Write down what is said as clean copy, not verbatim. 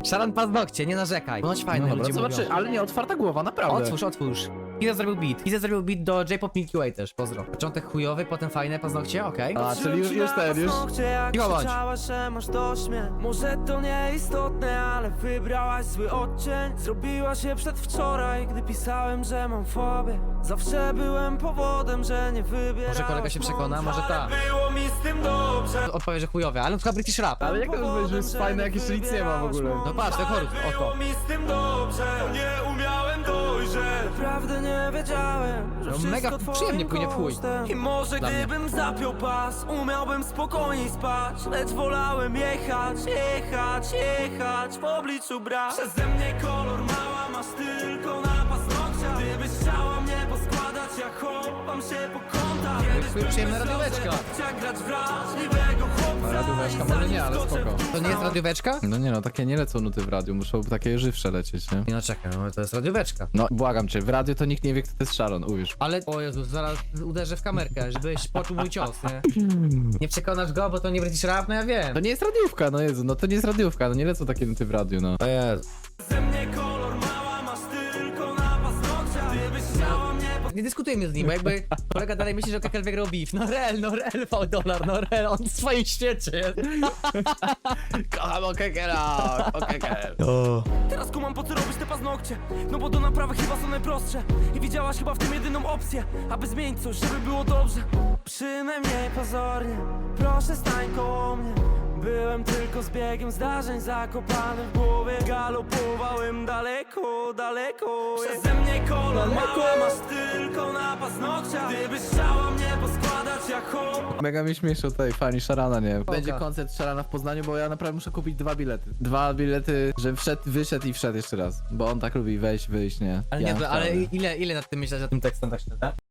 Szaran paznokcie, nie narzekaj. Ponoć fajne, No dobra, ludzie zobaczy, mówią. ale nie, otwarta głowa, naprawdę. Otwórz. Kiza zrobił beat. Kiza zrobił beat do J-Pop Milky Way też, pozdro. Początek chujowy, potem fajne paznokcie, okej. A, czyli już ten, już... Cicho bądź. Że masz dość mnie. Może to nieistotne, ale wybrałaś zły odcień. Zrobiła się przedwczoraj, gdy pisałem, że mam fobię. Zawsze byłem powodem, że nie wybierałaś. Może kolega się przekona, może tak. Było mi z tym dobrze. Odpowie, że chujowe, ale to British rap. Ale jak to już powiedzieć, że jest fajne, jak jeszcze nic nie ma w ogóle? No patrz, ten chorus, Było oto. mi z tym dobrze. Nie umiałem dojrzeć. Naprawdę nie wiedziałem, że No wszystko mega twoim przyjemnie płynie w chuj. kosztem. I może Dla mnie. gdybym zapiął pas, umiałbym spokojniej spać. Lecz wolałem jechać w obliczu brak. Przeze mnie kolor mała, masz tylko na paznokciach. Gdybyś chciała mnie poskładać, ja chowam się po kątach. Kiedyś Przyjemna radióweczka. chciał grać wrażliwego chłopca. Radióweczka i może zanim nie, ale skoczę spoko. w To nie jest radióweczka? No nie no, takie nie lecą nuty w radiu, muszą takie żywsze lecieć, nie? Nie no czekaj, no to jest radióweczka. No, błagam cię, w radiu to nikt nie wie, kto to jest Sharon, uwierz. Ale, o Jezus, zaraz uderzę w kamerkę, żebyś poczuł mój cios, nie? Nie przekonasz go, bo to nie British rap, no ja wiem. To nie jest radiówka, no Jezu, no to nie jest radiówka, no nie lecą takie nuty w radiu, no. O Jezu. Ze mnie kolor mała, masz tylko na paznokciach. Gdybyś chciała mnie Nie dyskutujmy z nim, bo jakby kolega dalej myśli, że Kekel wygrał beef. No rel, $5, no rel, on w swoim świecie jest. Kocham Okekela, Okekel. Teraz kumam, po co robisz te paznokcie. No bo do naprawy chyba są najprostsze. I widziałaś chyba w tym jedyną opcję, aby zmienić coś, żeby było dobrze. Przynajmniej pozornie, proszę stań koło mnie. Byłem tylko zbiegiem zdarzeń, zakopany w głowie. Galopowałem daleko. Przeze mnie kolor mała, masz tylko na paznokciach. Gdybyś chciała mnie poskładać jak hop. Mega mi śmieszą tutaj fani Szarana, nie? Będzie Oka. koncert Szarana w Poznaniu, bo ja naprawdę muszę kupić 2 bilety. 2 bilety, że wyszedł i wszedł jeszcze raz. Bo on tak lubi wejść, wyjść, nie? Ale Ja nie, ale wcale. ile nad tym myśleć, nad tym tekstem tak szczerze?